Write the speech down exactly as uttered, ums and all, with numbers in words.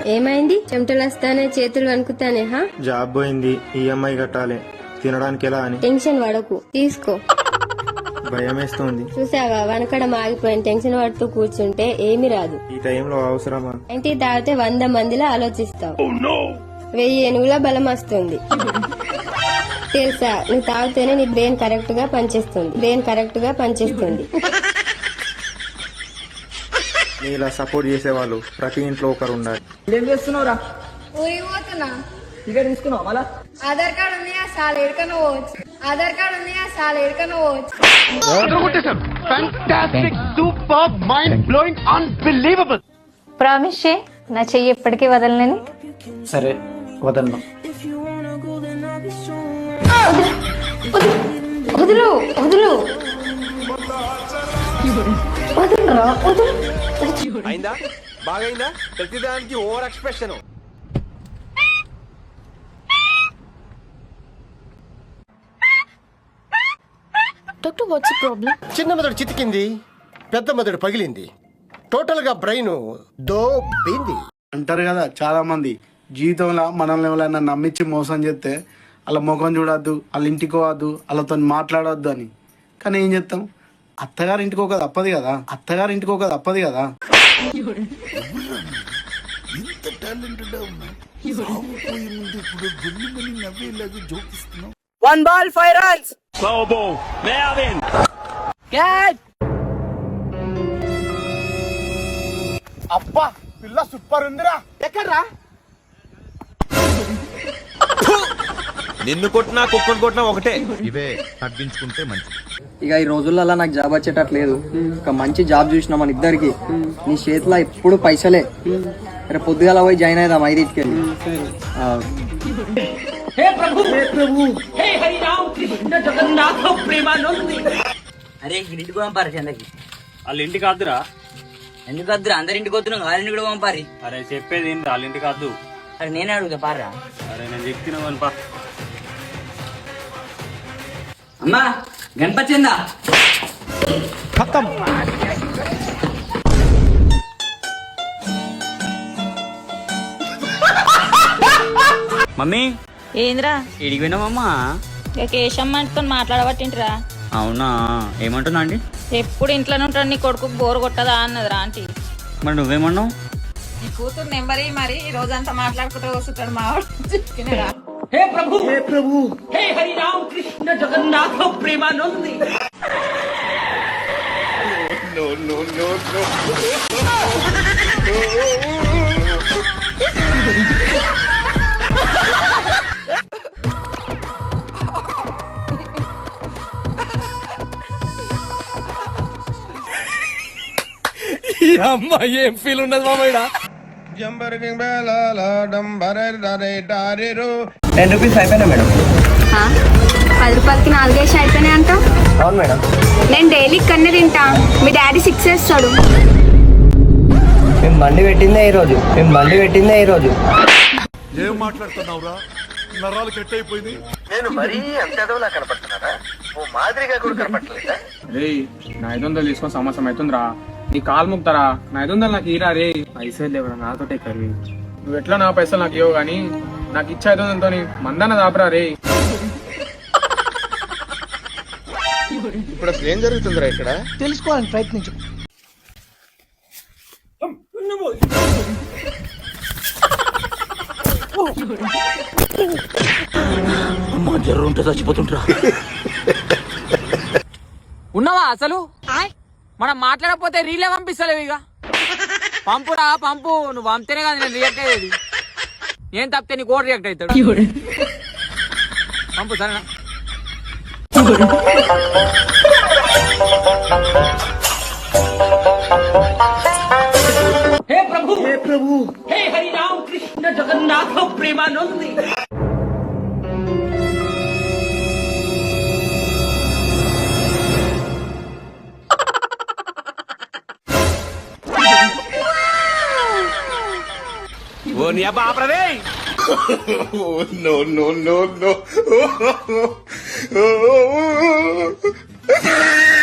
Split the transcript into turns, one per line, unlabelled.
ఏమైంది? చెమటలు వస్తానే, చేతులు వణుకుతానే. హా,
జాబ్ పోయింది, ఈఎంఐ కట్టాలి, తినడానికి ఎలా అని.
టెన్షన్ పడకు, తీసుకో.
భయం వేస్తుంది.
చూసావా, వనకడం ఆగిపోయిన. టెన్షన్ పడుతూ కూర్చుంటే ఏమి రాదు.
ఈ టైంలో అవసరమా?
ఇంటి తాగితే వంద మందిలా ఆలోచిస్తావు. వెయ్యి ఏనుగుల బలం వస్తుంది. తెలుసా, నువ్వు తాగితేనే నీ బ్రెయిన్ కరెక్ట్ గా పనిచేస్తుంది. బ్రెయిన్ కరెక్ట్ గా పనిచేస్తుంది.
ఇలా సపోర్ట్ చేసేవాళ్ళు ప్రతి ఇంట్లో ఒకరు ఉండాలి.
ఏం చేస్తున్నావురా?
ఊరికి పోతున్నా.
టికెట్ తీసుకున్నావు మళ్ళా?
ఆధార్ కార్డు ఉంది, ఆ సాల్ ఎడుకను పోవచ్చు. ఆధార్ కార్డు ఉంది, ఆ సాల్ ఎడుకను పోవచ్చు.
ప్రామిస్ చే, నా చెయ్యి ఎప్పటికీ వదలనని.
సరే, వదలను.
వదులు వదులు వదులురా, వదులు.
అయిందా? బాగైందా? ప్రతిదానికి over expression.
Doctor, what's problem?
చిన్న మెదడు చితికింది, పెద్ద మెదడు పగిలింది, టోటల్ గా బ్రెయిన్ దోబింది
అంటారు కదా చాలా మంది, జీవితంలో మనల్ని ఎవరైనా నమ్మించి మోసం చేస్తే వాళ్ళ ముఖం చూడొద్దు, వాళ్ళ ఇంటికి పోవద్దు, వాళ్ళతో మాట్లాడొద్దు అని. కానీ ఏం చేస్తాం, అత్తగారి ఇంటికి ఒక తప్పదు కదా, అత్తగారి ఇంటికి ఒక తప్పదు కదా.
One ball five runs.
అబ్బా, పిల్ల సూపర్ ఉందిరా. ఎక్కడ్రా?
నిన్ను కొట్టినా కుక్కను కొట్టినా ఒకటే.
ఇవే తగ్గించుకుంటే మంచి.
ఇక ఈ రోజులలో నాకు జాబ్ వచ్చేటట్లేదు. ఒక మంచి జాబ్ చూసిన మన ఇద్దరికి. నీ చేతిలో ఎప్పుడు పైసలే. రేపు పొద్దుగాల పోయి జాయిన్ అయిదాం ఐదింటికి వెళ్ళి.
అరే ఇంటికి పంపారు చందకి.
వాళ్ళ ఇంటికి వద్దురా.
ఎందుకు వద్దురా? అందరి ఇంటికి వద్దున్నావు, వాళ్ళ ఇంటికి కూడా పంపారి.
అరే చెప్పేది ఏంటి, వాళ్ళ ఇంటికి వద్దు.
అరే నేనే అడుగుతా పారా.
అరే నేను చెప్తున్నావు అనుపా.
అమ్మా గణపతిందా?
మమ్మీ
ఏంద్రా
ఇడికి పోయినామమ్మా?
కేశమ్మతో మాట్లాడబట్టింటిరా.
అవునా, ఏమంటున్నా అండి?
ఎప్పుడు ఇంట్లోనే ఉంటాడు, నీ కొడుకు బోర్ కొట్టదా అన్నదిరా ఆంటీ.
మరి నువ్వేమన్నావు?
నీ కూతురు నెంబర్ మరి ఈ రోజంతా మాట్లాడుకుంటూ వస్తుంటాడు మావాడు.
హే ప్రభు, హే ప్రభు, హే Hari Ram Krishna Jagannatha Premanandi.
No no no no.
అమ్మా ఏం ఫీల్ ఉన్నది మామయ్య?
టెన్ రూపీస్ అయిపోయినా మేడం.
పది రూపాయలకి నాలుగేసి అయిపోయినాయి అంటావు?
అవును మేడం.
నేను డైలీ కన్నే తింటా, మీ డాడీ సిక్స్ వేస్తాడు.
మేము బండి పెట్టిందే ఈ రోజు, మేము బండి పెట్టిందే ఈ రోజు.
ఏం మాట్లాడుతున్నావురా? నరాలు కట్ అయిపోయింది.
నేను మరీ అంత ఎదవలా కనపడుతున్నారా? ఓ మాదిరిగా కూడా కనపడలేదా?
రే నా ఐదు వందలు తీసుకొని సంవత్సరం అవుతుందిరా. నీ కాలు ముక్తారా? నా ఐదు వందలు నాకు ఇరా రే. పైసలు లేవరా నాతోటే కర్రీ. నువ్వు ఎట్లా నా పైసలు నాకు ఇవ్వవు గానీ నాకు ఇచ్చే ఐదు వందలతో మందన్న దాపరా రే.
ఇప్పుడు అసలు ఏం జరుగుతుందిరా ఇక్కడ?
తెలుసుకోవాలని ప్రయత్నించు.
జర్రుంటే చచ్చిపోతుంటా.
ఉన్నావా అసలు? మనం మాట్లాడకపోతే రీలే పంపిస్తలేవు. ఇక పంపురా పంపు, నువ్వు పంపితేనే కదా నేను రియాక్ట్ అయ్యేది. ఏం తప్పితే నీ కోడ్ రియాక్ట్ అవుతాడు. పంపు సరేనా? హే ప్రభు, హే ప్రభు, హే హరి రామ్ కృష్ణ జగన్నాథ ప్రేమానంది.
ఓ నీ అబ్బా ఆపరదే.
No no no no.